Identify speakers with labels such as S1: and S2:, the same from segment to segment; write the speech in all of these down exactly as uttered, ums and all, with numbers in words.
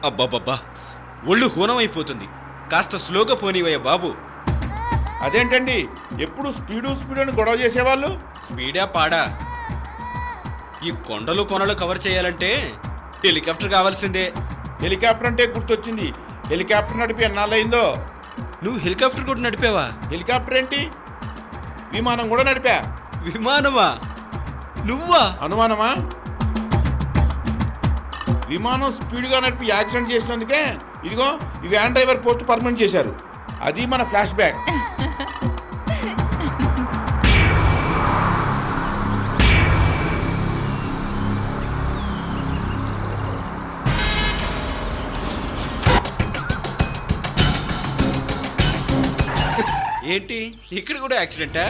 S1: అబ్బాబ్బా, ఒళ్ళు హూనమైపోతుంది. కాస్త స్లోగా పోనీవయ్య బాబు.
S2: అదేంటండి ఎప్పుడు స్పీడు స్పీడు అని గొడవ చేసేవాళ్ళు?
S1: స్పీడా పాడా? ఈ కొండలు కొనలు కవర్ చేయాలంటే హెలికాప్టర్ కావాల్సిందే.
S2: హెలికాప్టర్ అంటే గుర్తొచ్చింది. హెలికాప్టర్ నడిపి ఎన్నాళ్ళయిందో?
S1: నువ్వు హెలికాప్టర్ కూడా నడిపావా?
S2: హెలికాప్టర్ ఏంటి, విమానం కూడా నడిపా.
S1: విమానమా? నువ్వా?
S2: అనుమానమా? విమానం స్పీడ్గా నడిపి యాక్సిడెంట్ చేసినందుకే ఇదిగో ఈ వ్యాన్ డ్రైవర్ పోస్ట్ పర్మనెంట్ చేశారు. అది మన ఫ్లాష్ బ్యాక్.
S1: ఏంటి ఇక్కడ కూడా యాక్సిడెంటా?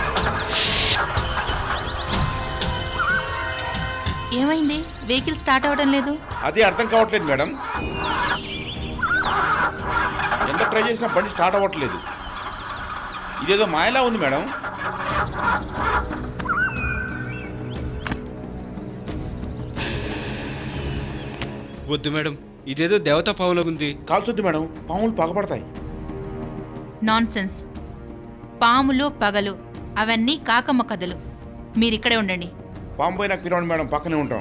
S3: ఏమైంది? వెహికల్ స్టార్ట్ అవ్వడం లేదు.
S2: అది అర్థం కావట్లేదు మేడం. ఎంత ట్రై చేసినా బండి స్టార్ట్ అవ్వట్లేదు. ఇదేదో మాయలా ఉంది మేడం.
S1: వద్దు మేడం, ఇదేదో దేవతా పావులాగుంది.
S2: కాల్చొద్దు మేడం, పాములు పగపడతాయి.
S3: నాన్సెన్స్. పాములు పగలు అవన్నీ కాకమ్మ కథలు. మీరిక్కడే ఉండండి.
S2: పాము పోయినా పిలవండి మేడం, పక్కనే ఉంటాం.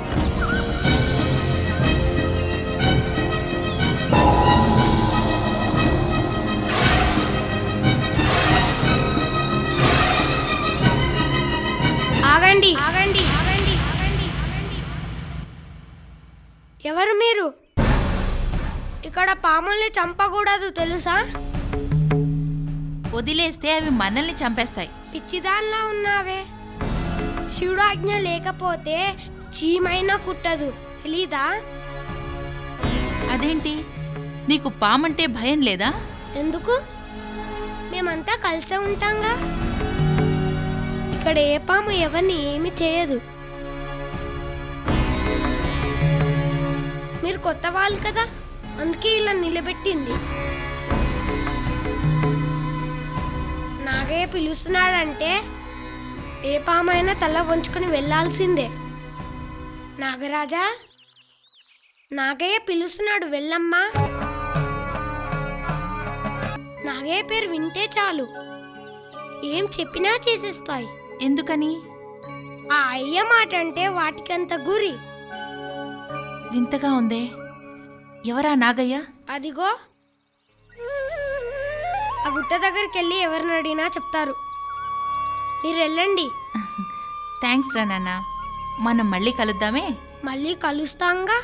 S4: ఆగండి ఆగండి ఆగండి ఆగండి ఎవరు మీరు? ఇక్కడ పాముల్ని చంపకూడదు తెలుసా?
S3: వదిలేస్తే అవి మనల్ని చంపేస్తాయి.
S4: పిచ్చిదాన్లా ఉన్నావే. శివుడు ఆజ్ఞ లేకపోతే చీమైనా కుట్టదు, తెలీదా?
S3: అదేంటి, నీకు పామంటే భయం లేదా?
S4: ఎందుకు? మేమంతా కలిసే ఉంటాంగా. ఇక్కడ ఏ పాము ఎవరిని ఏమి చేయదు. మీరు కొత్త వాళ్ళు కదా, అందుకే ఇలా నిలబెట్టింది. నాగయ్య పిలుస్తున్నాడంటే ఏ పామైనా తల వంచుకొని వెళ్ళాల్సిందే. నాగరాజా, నాగయ్య పిలుస్తున్నాడు, వెళ్ళమ్మా. నాగయ్య పేరు వింటే చాలు ఏం చెప్పినా చేసేస్తాయి.
S3: ఎందుకని?
S4: ఆ అయ్య మాట అంటే వాటికంత గురి.
S3: వింతగా ఉందే. ఎవరా నాగయ్య?
S4: అదిగో ఆ గుట్ట దగ్గరికి వెళ్ళి ఎవరిని అడిగినా చెప్తారు. మీరు వెళ్ళండి.
S3: థ్యాంక్స్ రా నాన్న. మనం మళ్ళీ కలుద్దామే.
S4: మళ్ళీ కలుస్తాంగా.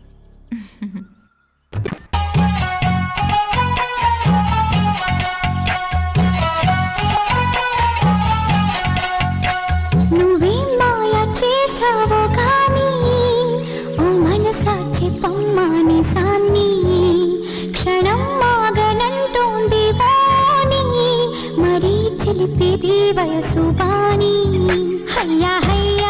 S5: నువ్వేం మాయ చేసావో కానీ ఓ మనసా చెప్పమ్మాని సాన్ని క్షణం మాగనంటోంది వాణి మరీ చిలిపిది వయసు బాణి. హయ్యా హయ్యా